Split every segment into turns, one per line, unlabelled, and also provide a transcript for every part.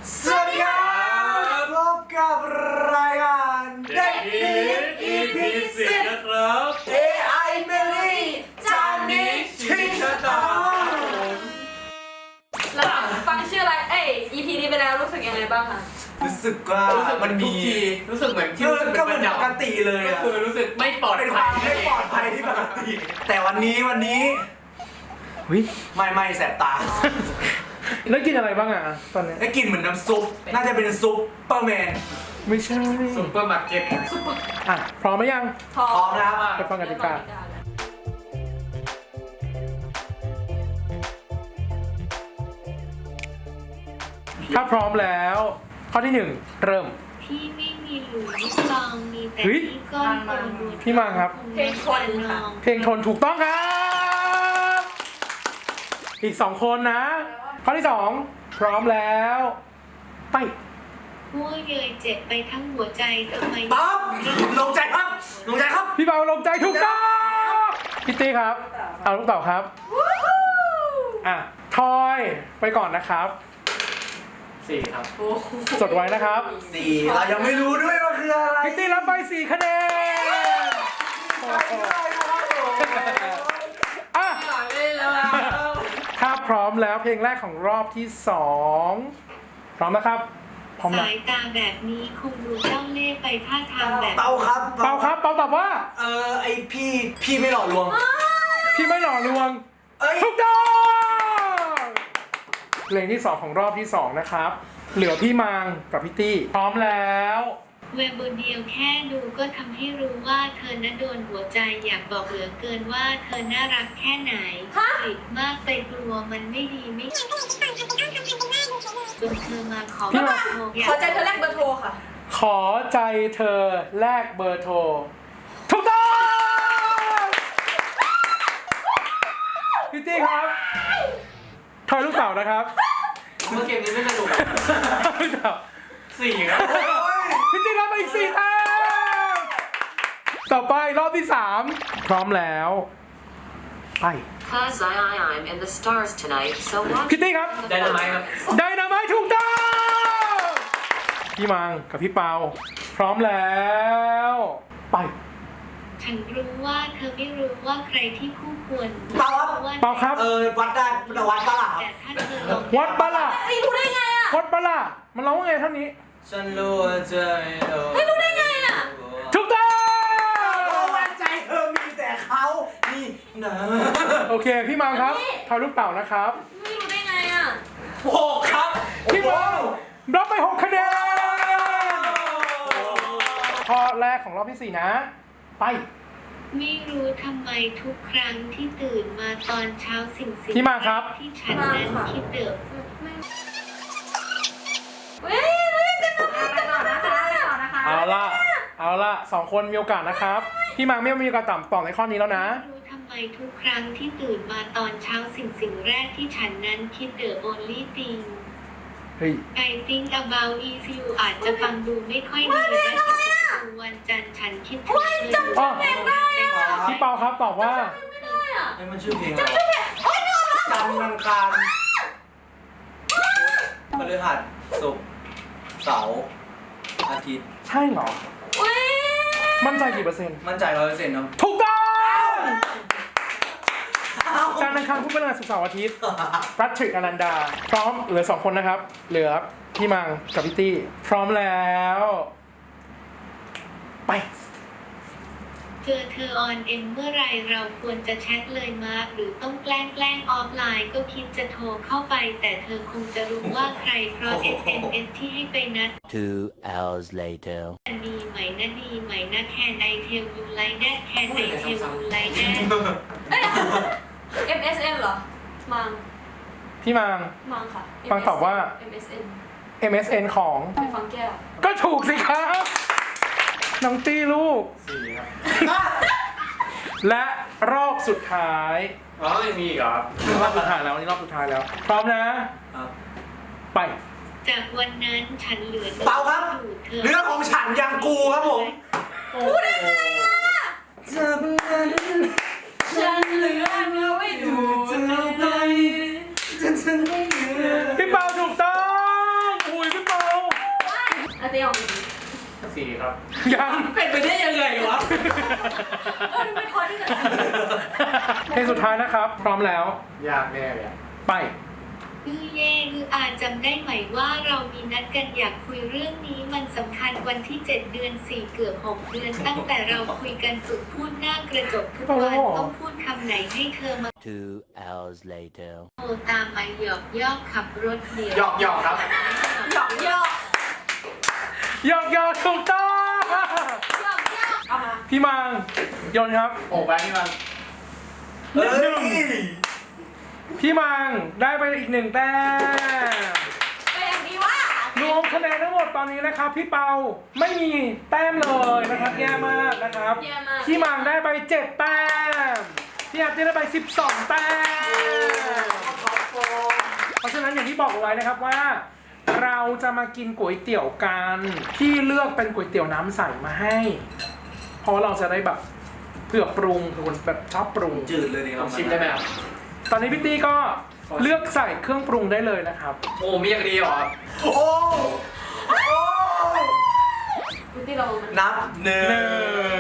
สวัสดีครับพบกับรายการเด็กดี EP 10
นะครับ
AI เมลี่จานนี้ชิชะตา
หลังฟังชื่ออะไรEP นี้ไปแล้วรู้สึกยังไงบ้างคะ
รู้สึกว่ามันมี
รู้สึกเหมือนที่
ก็เหมือนปกติเลย
ก็
อะ
คือรู้สึกไม่ปลอด
เป็นค
ภั
วาย มไม่ปลอดภัยที่ปกติ แต่วันนี้ไม่แสบตา
แล้วกินอะไรบ้างอ่ะตอนนี้
ได้กลินเหมือนน้ำซุป น่าจะเป็นซุปเปอร์แมน
ไม่ใช่
ซุปเปอร์มาร์เก็ต
อ่ะพร้อมไหมยัง
พร้อ
พร้อมนะครับ
ไปฟังกติกา ถ้าพร้อมแล้ว ข้อที่ 1 เริ่ม
ที่ไม่มีหลุมกลองมีแต่
เฮ้ย
ที่ก้อนโตดู
พี่มังครับ
เพลงคนค่ะ
เพลงทนถูกต้องครับ อีก 2 คนนะ ข้อที่ 2 พร้อมแล้ว ไป
หัวเยยเจ็บไปทั้งหัวใจทำไม
ปั๊บลงใจครับลงใจครับ
พี่เบาลงใจถูกต้องพี่ตี้ครับ เอาลูกเต่าครับ อ่ะ ทอยไปก่อนนะครับ
4 ครับ
โอ้โห
จดไว้นะครับ
4 เรายังไม่รู้ด้วยว่าคืออะไร
พี่ตี้รับไป4 คะแนนโอ้โหอ่ะ
ไม่เล่นแล้วอะ
ถ้าพร้อมแล้วเพลงแรกของรอบที่ 2 พร้อมนะครับ พร้อมนะ
สายตาแบบนี้คงดูเจ้าเล่ห์ไปท่าทางแบบ
เปาครับ
เปาครับ เปาตอบว่า
ไอพี่ไม่หล่อลวง
พี่ไม่หล่อลวง
เอ้ย
ถูกต้องเพลงที่ 2 ของรอบที่ 2 นะครับ เหลือพี่มังกับพี่ตี้ พร้อมแล้ว
เว็บบนเดียวแค่ดูก็ทำให้รู้ว่าเธอน่ะโดนหัวใจอยากบอกเหลือเกินว่าเธอน่ารักแค่ไหนติดมากไปกลัวมันไม่ดีไม่จนเธอมาขอ
พี่มา
ขอใจเธอแรกเบอร์โทรค่ะ
ขอใจเธอแลกเบอร์โทร ถูกต้องพี่ตี้ครับทอยลูกเต๋านะครับ
เมื่อเกมนี้ไม่สนุก
ลูกเต๋า
4 ครับ
พี่ตี้รับไปอีก4 แต้มต่อไปรอบที่ 3 พร้อมแล้ว ไป
Cause I'm in the stars tonight, so watch
พี่ตี้ครับ
ได้ทำไมครับ
ไดนาไมต์ถูกต้องพี่มังกับพี่เปา พร้อมแล้ว ไป
ฉันรู้ว่าเธอไม่รู้ว่าใครที่คู่ควร
เปาครับ
เปาครับ
วัดได้วัดปะล่ะ
แต่ถ้าเธอลอง
วัดปะล่ะ
เฮ้ยรู้ได้ไงอะ
วัดปะล่ะมันร้องว่าไงเท่านี้
ฉันรู้ว่าเธอ
เฮ้ยรู้ได้ไงอะ
ถูกต้อง
เพราะว่าใจเธอมีแต่เขานี่นะ
โอเค พี่มังครับทอยลูกเต่านะครับ
ไม่รู้ได้ไงอะ
6 ครับ
พี่มังรับไป6 คะแนนข้อแรกของรอบที่ 4 นะ ไป
ไม่รู้ทำไมทุกครั้งที่ตื่นมาตอนเช้าสิ่ง
พี่มาครับ
ที่ฉันนั้นคิดเดิม
เฮ้ยเล่นกันนะนะคะ
เอาละ2 คนมีโอกาสนะครับ พี่มังไม่มีโอกาสตอบในข้อนี้แล้วนะ
ไม่รู้ทำไมทุกครั้งที่ตื่นมาตอนเช้าสิ่งแรกที่ฉันนั้นคิดonly thing
เฮ้ย
I think about is you อาจจะฟังดูไม่ค่อยดีและฉันวันจันทร์ฉันคิดถึงเธอ
อ๋อ
อยู่
พี่เปาครับตอบว่า
ไม่ได้อะ
นี่มันชื่อเพลงอะไรจันทร์อังคารพฤหัสศุกร์เสาร์อาทิตย์
ใช่เหรอ
เฮ้ย
มั่นใจกี่เปอร์เซ็นต์
มั่นใจ100%ครับ
ถูกต้องจันทร์อังคารพุธพฤหัสศุกร์เสาร์อาทิตย์แพทริกอนันดา พร้อมเหลือ 2 คนนะครับ เหลือพี่มังกับพี่ตี้ พร้อมแล้ว ไป
เจอเธอออนเอ็มเมื่อไรเราควรจะแชทเลยมาหรือต้องแกล้งออฟไลน์ก็คิดจะโทรเข้าไป แต่เธอคงจะรู้ว่าใครเพราะ SMS ที่ให้ไปนัด
2 hours later.
ดีไหมนะดีไหมนะแคนไอเทลยูไลแดดแคนไอเทลยูไลแดด
MSN เหรอ มัง
พี่มัง
มังค่ะ
มังตอบว่า
MSN
MSN ของ
ไปฟังแก้ว
ก็ถูกสิครับ น้องตี้ลูก
4 ครับ
และรอบสุดท้าย
อ๋อยังมีอีกเหรอครับ
รอบสุดท้ายแล้วนี่รอบสุดท้ายแล้ว พร้อมนะ
ครับ
ไป
จากวันนั้นฉันเหลือ
เปาครับ
อยู่เธอ
เรื่องของฉันยังกูครับผมจากนั้น
ฉันเหลือเนื้อไว้ดูเธอไป
ฉันไม่เหลือ
พี่เปาถูกต้องอุ้ยพี่
อาเตียของมึง
4ครับ
ยัง
เป็นไปได้ยังไงวะ
ไม่พอที่จะ
เพลงสุดท้ายนะครับ พร้อมแล้ว
ยากแน่เลยอะ
ไป
อาจำได้ไหมว่าเรามีนัดกันอยากคุยเรื่องนี้มันสำคัญวันที่ 7 เดือน 4 เกือบ 6 เดือน ตั้งแต่เราคุยกันฝึกพูดหน้ากระจกทุกวันต้องพูดคำไหนให้เธอมา
2 hours later.
โทรตามมาหยอกยอกขับรถเดียว
หยอกครับ
หยอกยอก
ยอกยอกถูกต้อง
หยอกยอกเอามา
พี่มังโยนครับ
โอ้ไปนี่มัน
เฮ้ย
พี่มังได้ไปอีก1 แต้ม
ก็ยังดีว่าร
วมคะแนนทั้งหมดตอนนี้นะครับ พี่เปาไม่มีแต้มเลยนะครับแย่มากนะครับ
เยี่ยมมาก
พี่มังได้ไป7 แต้มพี่อาร์ตี้ได้ไป12 แต้มเพราะฉะนั้นอย่างที่บอกเอาไว้นะครับว่า เราจะมากินก๋วยเตี๋ยวกันพี่เลือกเป็นก๋วยเตี๋ยวน้ำใสมาให้ เพราะว่าเราจะได้แบบเผื่อปรุงคือคนแบบชอบปรุง
จืดเลยนี่
ลองชิมได้ไหมครับ
ตอนนี้พี่ตี้ก็เลือกใส่เครื่องปรุงได้เลยนะครับ
โอ้มีอย่างดีเหรอครับ
โอ้โอ้
คุณที่เรามัน
นับหนึ่ง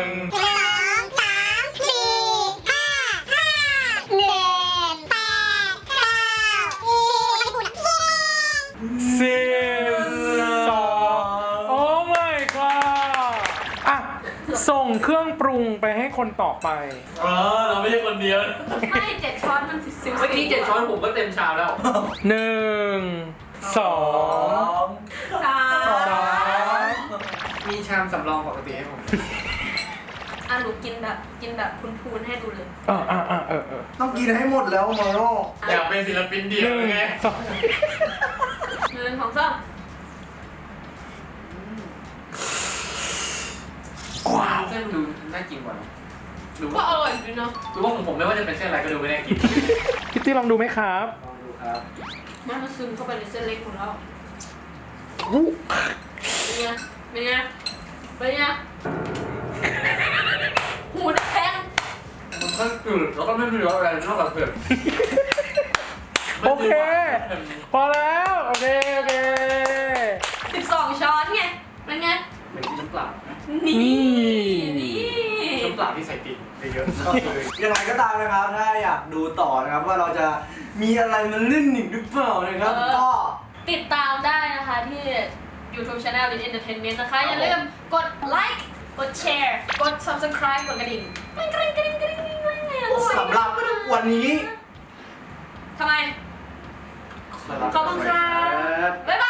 12 โอ้ my god อ่ะส่งเครื่องปรุงไปให้คนต่อไป
เราไม่ใช่คนเดียว
ไม่7 ช้อนมันสิบ
เมื่อกี้7 ช้อนผมก็เต็มชามแล้ว
1 2
3
มีชามสำรองปกติให้ผม
อ่ะหนูกินแบบพูนๆให้ดูเลย
เออ
ต้องกินให้หมดแล้วมาโน่
อยากเป็นศิลปินเดียวไง
1 2
1 2 3
ว้าว
เส้นดูน่ากินกว่าดู
ก็อร่อยดีเนาะ
ดูว่าของผมไม่ว่าจะเป็นเส้นอะไรก็ดูไม่น่ากิน
พี่ตี้ลองดูไหมครับ
ลองดูครับ
มันซึมเข้าไปในเส้นเล็กของเรา
อู้
เป็นไงเป็นไงเป็นไงหูแดง
มันก็จืดแล้วก็ไม่มีรสอะไรนอกจากเผ็ด
โอเค พอแล้ว โอเค
12 ช้อนไงเป็นไง
เหมือนกินน้ำเปล่า
นี่
นี่
น้ำเปล่าที่ใส่ติ่งเยอะๆก็คือ
ยังไงก็ตามนะครับ ถ้าอยากดูต่อนะครับว่าเราจะมีอะไรมาเล่นหนึ่งหรือเปล่านะครับ ก็
ติดตามได้นะคะที่ YouTube Channel Lin Entertainment นะคะ อย่าลืมกดไลค์กดแชร์กด Subscribe กดกระดิ่งกระดิ่ง
สำหรับวันนี้
ทำไม ขอบคุณค่ะบ๊ายบาย